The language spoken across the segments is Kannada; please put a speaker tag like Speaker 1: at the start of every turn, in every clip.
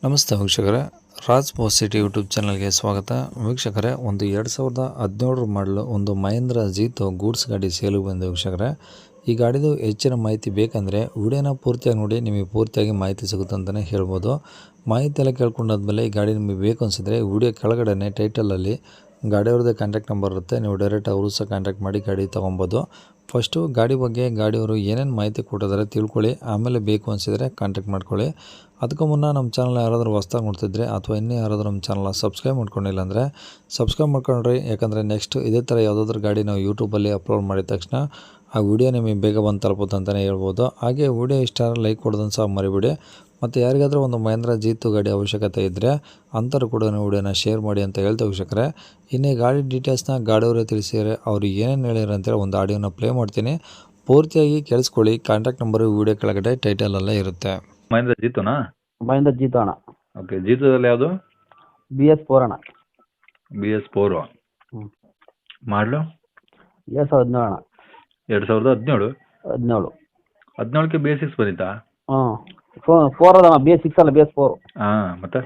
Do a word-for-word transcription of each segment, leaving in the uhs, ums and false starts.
Speaker 1: ನಮಸ್ತೆ ವೀಕ್ಷಕರೇ, ರಾಜ್ ಪೋಸ್ಟ್ ಸಿಟಿ ಯೂಟ್ಯೂಬ್ ಚಾನಲ್ಗೆ ಸ್ವಾಗತ. ವೀಕ್ಷಕರೇ, ಒಂದು ಎರಡು ಸಾವಿರದ ಹದಿನೇಳರ ಮಾಡಲು ಒಂದು ಮಹೇಂದ್ರ ಜೀತೋ ಗೂಡ್ಸ್ ಗಾಡಿ ಸೇಲಿಗೆ ಬಂದಿದೆ. ವೀಕ್ಷಕರೇ, ಈ ಗಾಡಿದು ಹೆಚ್ಚಿನ ಮಾಹಿತಿ ಬೇಕಂದರೆ ವಿಡಿಯೋನ ಪೂರ್ತಿಯಾಗಿ ನೋಡಿ, ನಿಮಗೆ ಪೂರ್ತಿಯಾಗಿ ಮಾಹಿತಿ ಸಿಗುತ್ತೆ ಅಂತಲೇ ಹೇಳ್ಬೋದು. ಮಾಹಿತಿ ಎಲ್ಲ ಕೇಳ್ಕೊಂಡಾದ್ಮೇಲೆ ಈ ಗಾಡಿ ನಿಮಗೆ ಬೇಕು ಅನಿಸಿದ್ರೆ ವಿಡಿಯೋ ಕೆಳಗಡೆ ಟೈಟಲಲ್ಲಿ ಗಾಡಿಯವ್ರದ್ದೇ ಕಾಂಟ್ಯಾಕ್ಟ್ ನಂಬರ್ ಇರುತ್ತೆ, ನೀವು ಡೈರೆಕ್ಟ್ ಅವರು ಸಹ ಕಾಂಟ್ಯಾಕ್ಟ್ ಮಾಡಿ ಗಾಡಿ ತೊಗೊಬೋದು. ಫಸ್ಟು ಗಾಡಿ ಬಗ್ಗೆ ಗಾಡಿಯವರು ಏನೇನು ಮಾಹಿತಿ ಕೊಟ್ಟಿದ್ದಾರೆ ತಿಳ್ಕೊಳ್ಳಿ, ಆಮೇಲೆ ಬೇಕು ಅನಿಸಿದರೆ ಕಾಂಟ್ಯಾಕ್ಟ್ ಮಾಡ್ಕೊಳ್ಳಿ. ಅದಕ್ಕೂ ಮುನ್ನ ನಮ್ಮ ಚಾನಲ್ ಯಾರಾದರೂ ಹೊಸ್ದಾಗಿ ನೋಡ್ತಿದ್ರೆ ಅಥವಾ ಇನ್ನೂ ಯಾರಾದರೂ ನಮ್ಮ ಚಾನಲ್ನ ಸಬ್ಸ್ಕ್ರೈಬ್ ಮಾಡ್ಕೊಂಡಿಲ್ಲ ಅಂದರೆ ಸಬ್ಸ್ಕ್ರೈಬ್ ಮಾಡ್ಕೊಂಡ್ರಿ. ಯಾಕಂದರೆ ನೆಕ್ಸ್ಟ್ ಇದೇ ಥರ ಯಾವುದಾದ್ರೂ ಗಾಡಿ ನಾವು ಯೂಟ್ಯೂಬಲ್ಲಿ ಅಪ್ಲೋಡ್ ಮಾಡಿದ ತಕ್ಷಣ ಆ ವಿಡಿಯೋ ನಿಮಗೆ ಬೇಗ ಬಂದು ತಲುಪುತ್ತೆ ಅಂತಲೇ ಹೇಳ್ಬೋದು. ಹಾಗೆ ವಿಡಿಯೋ ಇಷ್ಟ ಲೈಕ್ ಕೊಡೋದನ್ನು ಸಹ ಮರಿಬೇಡಿ. ಮತ್ತು ಯಾರಿಗಾದರೂ ಒಂದು ಮಹೇಂದ್ರ ಜೀತು ಗಾಡಿ ಅವಶ್ಯಕತೆ ಇದ್ದರೆ ಅಂಥವ್ರು ಕೂಡ ವಿಡಿಯೋನ ಶೇರ್ ಮಾಡಿ ಅಂತ ಹೇಳ್ತಾ ವೀಕ್ಷಕರೇ, ಇನ್ನೇ ಗಾಡಿ ಡೀಟೇಲ್ಸ್ನ ಗಾಡಿಯವರೇ ತಿಳಿಸಿದರೆ ಅವರು ಏನೇನು ಹೇಳಿದ್ರು ಅಂತೇಳಿ ಒಂದು ಆಡಿಯೋನ ಪ್ಲೇ ಮಾಡ್ತೀನಿ, ಪೂರ್ತಿಯಾಗಿ ಕೇಳಿಸ್ಕೊಳ್ಳಿ. ಕಾಂಟ್ಯಾಕ್ಟ್ ನಂಬರು ವಿಡಿಯೋ ಕೆಳಗಡೆ ಟೈಟಲಲ್ಲೇ ಇರುತ್ತೆ.
Speaker 2: ಮಹೇಂದ್ರ ಜೀತೋನಾ?
Speaker 3: ಮಹೇಂದ್ರ ಜೀತೋ ಅಣ್ಣ.
Speaker 2: ಓಕೆ, ಜೀತೋದಲ್ಲಿ ಯಾವುದು?
Speaker 3: ಬಿ ಎಸ್ ಫೋರ್ ಅಣ್ಣ.
Speaker 2: ಬಿ ಎಸ್ ಫೋರು
Speaker 3: ಹ್ಞೂ
Speaker 2: ಮಾಡಲು
Speaker 3: ಎರಡು ಸಾವಿರದ ಹದಿನೇಳು ಅಣ್ಣ.
Speaker 2: ಎರಡು ಸಾವಿರದ ಹದಿನೇಳು
Speaker 3: ಹದಿನೇಳು
Speaker 2: ಹದಿನೇಳಕ್ಕೆ ಬಿ ಎಸ್ ಸಿಕ್ಸ್ ಬಂದಿತ್ತಾ?
Speaker 3: ಹ್ಞೂ ಫೋ ಫೋರ್ ಅದಣ್ಣ, ಬಿ ಎಸ್ ಸಿಕ್ಸ್ ಅಲ್ಲ, ಬಿ ಎಸ್ ಫೋರ್.
Speaker 2: ಹಾಂ, ಮತ್ತೆ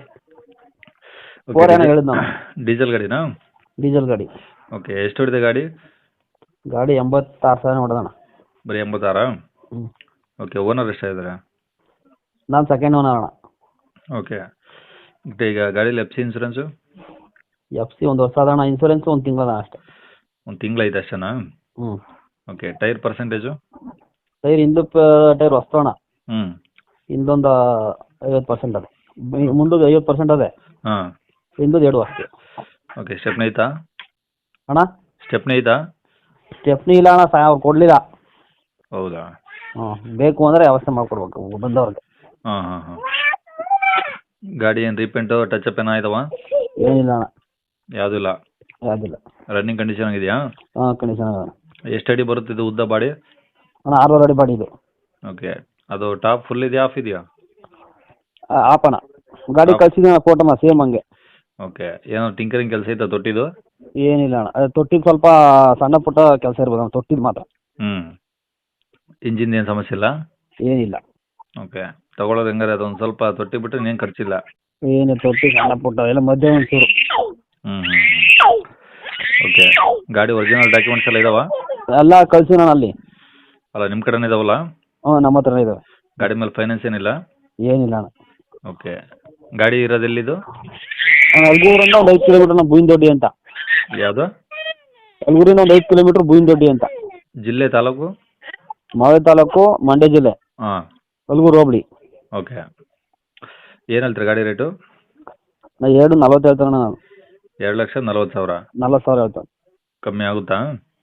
Speaker 3: ಫೋರ್ ಏನೋ ಹೇಳಿದ್ದು ನಾನು.
Speaker 2: ಡೀಸೆಲ್ ಗಾಡಿನಾ?
Speaker 3: ಡೀಸೆಲ್ ಗಾಡಿ.
Speaker 2: ಓಕೆ, ಎಷ್ಟು ಹೊಡಿದೆ ಗಾಡಿ?
Speaker 3: ಗಾಡಿ ಎಂಬತ್ತಾರು ಸಾವಿರ ಹೊಡೆದಣ್ಣ.
Speaker 2: ಬರೀ ಎಂಬತ್ತಾರಾ?
Speaker 3: ಹ್ಞೂ.
Speaker 2: ಓಕೆ, ಓನರ್ ಎಷ್ಟಾಗಿದ್ದಾರೆ?
Speaker 3: ನಾನು ಸೆಕೆಂಡ್ ಓನರ್ ಅಣ್ಣ.
Speaker 2: ಓಕೆ, ಮತ್ತೆ ಈಗ ಗಾಡೀಲಿ F C insurance?
Speaker 3: F C ಒಂದು ವರ್ಷ ಅದಣ್ಣ, ಇನ್ಸೂರೆನ್ಸ್ ಒಂದು ತಿಂಗಳದ ಅಷ್ಟೇ.
Speaker 2: ಒಂದು ತಿಂಗಳೈತೆ ಅಷ್ಟೇನಾ?
Speaker 3: ಹ್ಞೂ.
Speaker 2: Okay, tyre percentage?
Speaker 3: ಟೈರ್ ಹಿಂದು ಟೈರ್ ಹೊಸ್ತು ಅಣ್ಣ.
Speaker 2: ಹ್ಞೂ.
Speaker 3: ಹಿಂದೊಂದು ಐವತ್ತು ಪರ್ಸೆಂಟ್ ಅದೇ, ಮುಂದೊಂದು ಐವತ್ತು ಪರ್ಸೆಂಟ್ ಅದೇ,
Speaker 2: ಹಾಂ.
Speaker 3: ಹಿಂದೊಂದು ಎರಡು ಅಷ್ಟೇ.
Speaker 2: ಓಕೆ, ಸ್ಟೆಪ್ನಿ ಐತಾ?
Speaker 3: ಅಣ್ಣ
Speaker 2: ಸ್ಟೆಪ್ನಿ ಐತಾ?
Speaker 3: ಸ್ಟೆಪ್ನಿ ಇಲ್ಲ ಅಣ್ಣ, ಸಹ ಅವ್ರು ಕೊಡಲಿಲ್ಲ.
Speaker 2: ಹೌದಾ?
Speaker 3: ಹ್ಞೂ, ಬೇಕು ಅಂದರೆ ವ್ಯವಸ್ಥೆ ಮಾಡಿಕೊಡ್ಬೇಕು ಬಂದವ್ರಿಗೆ.
Speaker 2: ಹಾಂ ಹಾಂ ಹಾಂ. ಗಾಡಿ ಏನು ರೀಪೇಂಟು ಟಚಪ್ ಏನೋ ಆಯ್ತವ?
Speaker 3: ಏನಿಲ್ಲ ಅಣ್ಣ,
Speaker 2: ಯಾವುದೂ ಇಲ್ಲ?
Speaker 3: ಯಾವುದಿಲ್ಲ.
Speaker 2: ರನ್ನಿಂಗ್ ಕಂಡೀಷನ್ ಆಗಿದೆಯಾ?
Speaker 3: ಹಾಂ, ಕಂಡೀಷನ್ ಅದ.
Speaker 2: ಎಷ್ಟು ಅಡಿ ಬರುತ್ತೆ ಇದು ಉದ್ದ ಬಾಡಿ?
Speaker 3: ಅಣ್ಣ ಆರೂವರೆ ಅಡಿ ಬಾಡಿ ಇದು.
Speaker 2: ಓಕೆ, ಅದು ಟಾಪ್ ಫುಲ್ ಇದೆಯಾ ಆಫ್ ಇದೆಯಾ?
Speaker 3: ಆಪಣ ಗಾಡಿ ಕಳ್ಸಿದ್ದೀನಿ ಫೋಟೋನ ಸೇಮ್ ಹಂಗೆ.
Speaker 2: ಓಕೆ, ಏನೋ ಟಿಂಕರಿಂಗ್ ಕೆಲಸ ಐತಾ ತೊಟ್ಟಿದು?
Speaker 3: ಏನಿಲ್ಲ ಅಣ್ಣ, ಅದು ತೊಟ್ಟಿದ್ದು ಸ್ವಲ್ಪ ಸಣ್ಣ ಪುಟ್ಟ ಕೆಲಸ ಇರ್ಬೋದು ಅಣ್ಣ, ತೊಟ್ಟಿದ್ದು ಮಾತ್ರ.
Speaker 2: ಹ್ಞೂ. ಇಂಜಿನ್ ಏನು ಸಮಸ್ಯೆ ಇಲ್ಲ?
Speaker 3: ಏನಿಲ್ಲ.
Speaker 2: ಓಕೆ, ತಗೊಳ್ಳೋದು ಹೆಂಗಾರೆ ಅದೊಂದು ಸ್ವಲ್ಪ ತೊಟ್ಟಿ ಬಿಟ್ಟರೆ ಇನ್ನೇನು ಖರ್ಚಿಲ್ಲ?
Speaker 3: ಏನು ತೊಟ್ಟಿ ಸಣ್ಣ ಪುಟ್ಟ ಎಲ್ಲ ಮಧ್ಯೆ ಒಂಚೂರು.
Speaker 2: ಹ್ಞೂ ಹ್ಞೂ. ಓಕೆ, ಗಾಡಿ ಒರಿಜಿನಲ್ ಡಾಕ್ಯುಮೆಂಟ್ಸ್ ಎಲ್ಲ ಇದಾವಾ?
Speaker 3: ಎಲ್ಲ ಕಳ್ಸಿನ ಅಲ್ಲಿ.
Speaker 2: ಅಲ್ಲ, ನಿಮ್ಮ ಕಡೆನೇ ಇದಾವಲ್ಲ?
Speaker 3: ಹ್ಞೂ, ನಮ್ಮ ಹತ್ರನೇ ಇದಾವೆ.
Speaker 2: ಗಾಡಿ ಮೇಲೆ ಫೈನಾನ್ಸ್ ಏನಿಲ್ಲ?
Speaker 3: ಏನಿಲ್ಲ ಅಣ್ಣ.
Speaker 2: ಓಕೆ, ಗಾಡಿ ಇರೋದೆಲ್ಲಿದು?
Speaker 3: ಅಲ್ಗೂರಿಂದ ಒಂದು ಐದು ಕಿಲೋಮೀಟರ್ ಬೂಯಿನದೊಡ್ಡಿ ಅಂತ.
Speaker 2: ಯಾವುದು?
Speaker 3: ಅಲ್ಗೂರಿಂದ ಒಂದು ಐದು ಕಿಲೋಮೀಟರ್ ಬೂಯಿನದೊಡ್ಡಿ ಅಂತ.
Speaker 2: ಜಿಲ್ಲೆ ತಾಲೂಕು?
Speaker 3: ಮಾವೇ ತಾಲೂಕು, ಮಂಡ್ಯ ಜಿಲ್ಲೆ.
Speaker 2: ಹಾಂ.
Speaker 3: ಅಲ್ಗೂರು ಹೋಬಳಿ.
Speaker 2: ಓಕೆ, ಏನು ಹೇಳ್ತೀರಿ ಗಾಡಿ ರೇಟು?
Speaker 3: ನಾ ಎರಡು ನಲ್ವತ್ತು ಹೇಳ್ತಾನೆ ನಾನು.
Speaker 2: ಎರಡು ಲಕ್ಷ ನಲ್ವತ್ತು ಸಾವಿರ?
Speaker 3: ನಲ್ವತ್ತು ಸಾವಿರ ಹೇಳ್ತಾನೆ.
Speaker 2: ಕಮ್ಮಿ ಆಗುತ್ತಾ?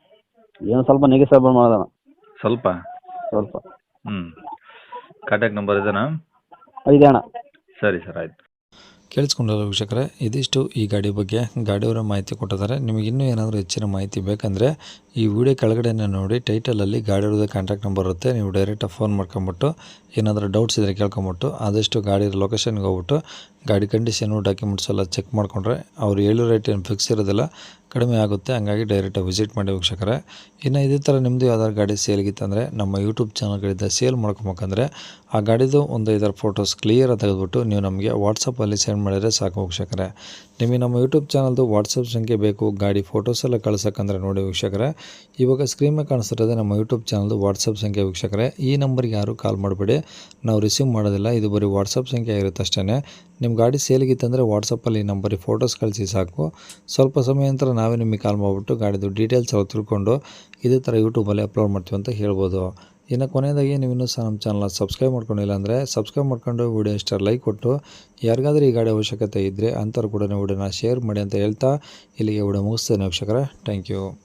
Speaker 3: ಏನು ಸ್ವಲ್ಪ ನೆಗೆಸೇಬಲ್ ಮಾಡೋದಣ್ಣ.
Speaker 2: ಸ್ವಲ್ಪ
Speaker 3: ಸ್ವಲ್ಪ.
Speaker 2: ಹ್ಞೂ. ಕಾಂಟ್ಯಾಕ್ಟ್ ನಂಬರ್ ಇದೆನಾ?
Speaker 3: ಇದೆ ಅಣ್ಣ.
Speaker 2: ಸರಿ ಸರ್, ಆಯಿತು.
Speaker 1: ಕೇಳಿಸ್ಕೊಂಡಲ್ಲ ವೀಕ್ಷಕರೇ, ಇದಿಷ್ಟು ಈ ಗಾಡಿ ಬಗ್ಗೆ ಗಾಡಿಯವರ ಮಾಹಿತಿ ಕೊಟ್ಟಿದ್ದಾರೆ. ನಿಮಗೆ ಇನ್ನೂ ಏನಾದರೂ ಹೆಚ್ಚಿನ ಮಾಹಿತಿ ಬೇಕಂದರೆ ಈ ವಿಡಿಯೋ ಕೆಳಗಡೆ ನೋಡಿ ಟೈಟಲಲ್ಲಿ ಗಾಡಿಯವ್ರದ್ದು ಕಾಂಟ್ಯಾಕ್ಟ್ ನಂಬರ್ ಇರುತ್ತೆ, ನೀವು ಡೈರೆಕ್ಟಾಗಿ ಫೋನ್ ಮಾಡ್ಕೊಂಬಿಟ್ಟು ಏನಾದರೂ ಡೌಟ್ಸ್ ಇದ್ದರೆ ಕೇಳ್ಕೊಂಬಿಟ್ಟು ಆದಷ್ಟು ಗಾಡಿ ಲೊಕೇಶನ್ಗೆ ಹೋಗ್ಬಿಟ್ಟು ಗಾಡಿ ಕಂಡೀಷನು ಡಾಕ್ಯುಮೆಂಟ್ಸ್ ಎಲ್ಲ ಚೆಕ್ ಮಾಡಿಕೊಂಡ್ರೆ ಅವ್ರು ಹೇಳೋ ರೇಟ್ ಏನು ಫಿಕ್ಸ್ ಇರೋದಿಲ್ಲ, ಕಡಿಮೆ ಆಗುತ್ತೆ. ಹಂಗಾಗಿ ಡೈರೆಕ್ಟಾಗಿ ವಿಸಿಟ್ ಮಾಡಿ ವೀಕ್ಷಕರೇ. ಇನ್ನು ಇದೇ ಥರ ನಿಮ್ಮದು ಯಾವ್ದಾದ್ರು ಗಾಡಿ ಸೇಲ್ಗಿತ್ತಂದರೆ ನಮ್ಮ ಯೂಟ್ಯೂಬ್ ಚಾನಲ್ಗಳಿಂದ ಸೇಲ್ ಮಾಡ್ಕೊಬೇಕಂದ್ರೆ ಆ ಗಾಡಿದು ಒಂದು ಐದಾರು ಫೋಟೋಸ್ ಕ್ಲಿಯರಾಗಿ ತೆಗೆದುಬಿಟ್ಟು ನೀವು ನಮಗೆ ವಾಟ್ಸಪ್ಪಲ್ಲಿ ಸೆಂಡ್ ಮಾಡಿದರೆ ಸಾಕು ವೀಕ್ಷಕರೇ. ನಿಮಗೆ ನಮ್ಮ ಯೂಟ್ಯೂಬ್ ಚಾನಲ್ದು ವಾಟ್ಸಪ್ ಸಂಖ್ಯೆ ಬೇಕು ಗಾಡಿ ಫೋಟೋಸ್ ಎಲ್ಲ ಕಳ್ಸೋಕ್ಕಂದ್ರೆ ನೋಡಿ ವೀಕ್ಷಕರೇ, ಇವಾಗ ಸ್ಕ್ರೀನ್ ಮೇಲೆ ಕಾಣಿಸ್ತಿರೋದೆ ನಮ್ಮ ಯೂಟ್ಯೂಬ್ ಚಾನಲ್ದು ವಾಟ್ಸಪ್ ಸಂಖ್ಯೆ ವೀಕ್ಷಕರೇ. ಈ ನಂಬರ್ಗೆ ಯಾರು ಕಾಲ್ ಮಾಡಬೇಡಿ, ನಾವು ರಿಸೀವ್ ಮಾಡೋದಿಲ್ಲ, ಇದು ಬರೀ ವಾಟ್ಸಪ್ ಸಂಖ್ಯೆ ಇರುತ್ತೆ ಅಷ್ಟೇ. ನಿಮ್ಮ ಗಾಡಿ ಸೇಲ್ಗಿತ್ತಂದರೆ ವಾಟ್ಸಪ್ಪಲ್ಲಿ ಈ ನಂಬರಿಗೆ ಫೋಟೋಸ್ ಕಳಿಸಿ ಸಾಕು. ಸ್ವಲ್ಪ ಸಮಯ ನಂತರ ನಾವೇ ನಿಮಗೆ ಕಾಲ್ ಮಾಡಿಬಿಟ್ಟು ಗಾಡಿದು ಡೀಟೇಲ್ಸ್ ಎಲ್ಲ ತಿಳ್ಕೊಂಡು ಇದೇ ಥರ ಯೂಟ್ಯೂಬಲ್ಲಿ ಅಪ್ಲೋಡ್ ಮಾಡ್ತೀವಿ ಅಂತ ಹೇಳ್ಬೋದು. ಇನ್ನು ಕೊನೆಯದಾಗಿ ನೀವು ಇನ್ನೂ ಸಹ ನಮ್ಮ ಚಾನಲ್ನ ಸಬ್ಸ್ಕ್ರೈಬ್ ಮಾಡ್ಕೊಂಡಿಲ್ಲ ಅಂದರೆ ಸಬ್ಸ್ಕ್ರೈಬ್ ಮಾಡ್ಕೊಂಡು ವಿಡಿಯೋ ಇಷ್ಟ ಲೈಕ್ ಕೊಟ್ಟು ಯಾರಿಗಾದ್ರೂ ಈ ಗಾಡಿ ಅವಶ್ಯಕತೆ ಇದ್ದರೆ ಅಂಥವ್ರು ಕೂಡ ವಿಡಿಯೋನ ಶೇರ್ ಮಾಡಿ ಅಂತ ಹೇಳ್ತಾ ಇಲ್ಲಿಗೆ ವಿಡಿಯೋ ಮುಗಿಸ್ತೇನೆ ವೀಕ್ಷಕರೇ. Thank you.